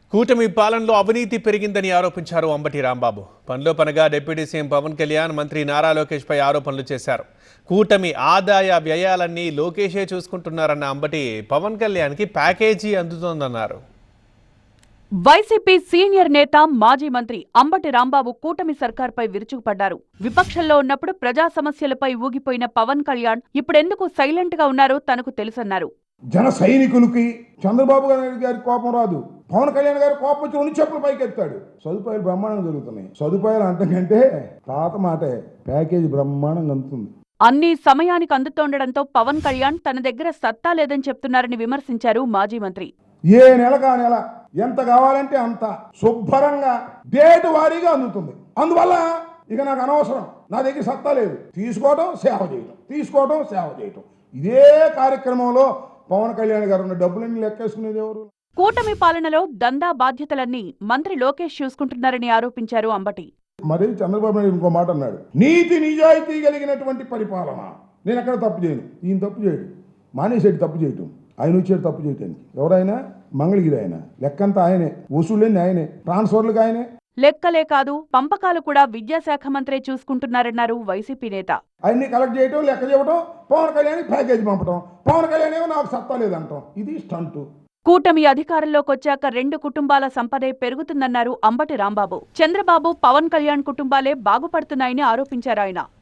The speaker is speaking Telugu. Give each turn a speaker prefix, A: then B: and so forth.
A: కూటమి పాలనలో అవినీతి పెరిగిందని ఆరోపించారు అంబటి రాంబాబు. పనిలో పనగా డిప్యూటీ సీఎం పవన్ కళ్యాణ్, మంత్రి నారా లోకేష్ పై ఆరోపణలు చేశారు. కూటమి ఆదాయ వ్యయాలన్నీ లోకేషే చూసుకుంటున్నారన్న అంబటి పవన్ కళ్యాణ్కి ప్యాకేజీ అందుతోందన్నారు.
B: వైసీపీ సీనియర్ నేత, మాజీ మంత్రి అంబటి రాంబాబు కూటమి సర్కార్పై విరుచుకుపడ్డారు. విపక్షంలో ఉన్నప్పుడు ప్రజా సమస్యలపై ఊగిపోయిన పవన్ కళ్యాణ్ ఇప్పుడెందుకు సైలెంట్ గా ఉన్నారో తనకు తెలుసన్నారు.
C: జన సైనికులకి చంద్రబాబు గారి కోపం రాదు, పవన్ కళ్యాణ్ గారి కోపం వచ్చి 2 చెప్పులు పైకి ఎత్తాడు. సదుపాయాలు బ్రహ్మాండంగా జరుగుతున్నాయి. సదుపాయాలు అంతకంటే తాత మాటే, ప్యాకేజీ బ్రహ్మాండంగా అందుతుంది.
B: అన్ని సమయానికి అందుతోండడంతో పవన్ కళ్యాణ్ తన దగ్గర సత్తా లేదని చెప్తున్నారని విమర్శించారు మాజీ మంత్రి.
C: ఏ నెలకా నెల ఎంత కావాలంటే అంత శుభ్రంగా డేటు వారీగా అందుతుంది. అందువల్ల ఇక నాకు అనవసరం, నా దగ్గర సత్తా లేదు, తీసుకోవడం సేవ చేయటం, తీసుకోవడం సేవ చేయటం. ఇదే కార్యక్రమంలో పవన్ కళ్యాణ్ గారు ఉన్న డబ్బులన్నీ లెక్కేసుకునేది ఎవరు?
B: కూటమి పాలనలో దందా బాధ్యతలన్నీ మంత్రి లోకేష్ చూసుకుంటున్నారని ఆరోపించారు అంబటి.
C: మరి చంద్రబాబు నాయుడు ఇంకో మాట అన్నాడు, నీతి నిజాయితీ కలిగినటువంటి పరిపాలన. నేను ఎక్కడ తప్పు చేయను, ఈయన తప్పు చేయడు, మానేసేటి తప్పు చేయటం, ఆయన వచ్చేది తప్పు చేయటానికి. ఎవరైనా మంగళగిరి ఆయన, లెక్కంతా ఆయనే, వసూళ్ళని ఆయనే, ట్రాన్స్ఫర్లకు ఆయనే.
B: లెక్కలే కాదు, పంపకాలు కూడా విద్యాశాఖ మంత్రే చూసుకుంటున్నారన్నారు వైసీపీ నేత.
C: అన్ని కలెక్ట్ చేయటం, లెక్క చెప్పడం, పవన్ కళ్యాణ్ ప్యాకేజీ పంపడం, పవన్ కళ్యాణ్ ఏమో నాకు సత్తా లేదంటాం. ఇది స్టంటు.
B: కూటమి అధికారంలోకొచ్చాక 2 కుటుంబాల సంపదే పెరుగుతుందన్నారు అంబటి రాంబాబు. చంద్రబాబు, పవన్ కళ్యాణ్ కుటుంబాలే బాగుపడుతున్నాయని ఆరోపించారు ఆయన.